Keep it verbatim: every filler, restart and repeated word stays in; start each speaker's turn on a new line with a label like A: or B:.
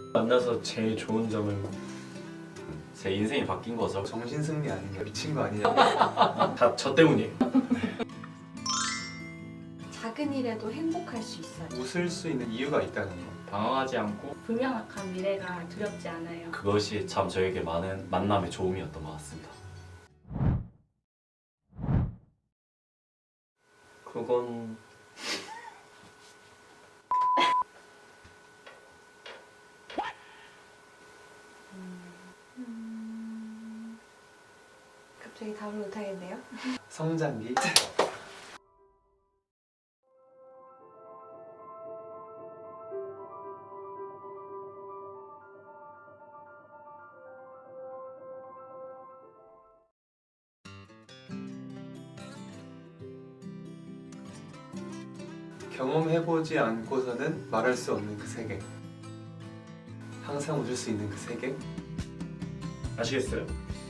A: 만나서 제일 좋은 점은
B: 제 인생이 바뀐 거죠.
C: 정신승리 아니냐, 미친 거 아니냐.
A: 다 저 때문이에요.
D: 작은 일에도 행복할 수 있어요.
C: 웃을 수 있는 이유가 있다는 거.
E: 방황하지 않고
F: 불명확한 미래가 두렵지 않아요.
B: 그것이 참 저에게 많은 만남의 좋음이었던 것 같습니다.
A: 그건
D: 음... 갑자기 답을 못하겠네요.
C: 성장기. 경험해보지 않고서는 말할 수 없는 그 세계. 항상 웃을 수 있는 그 세계.
A: 아시겠어요?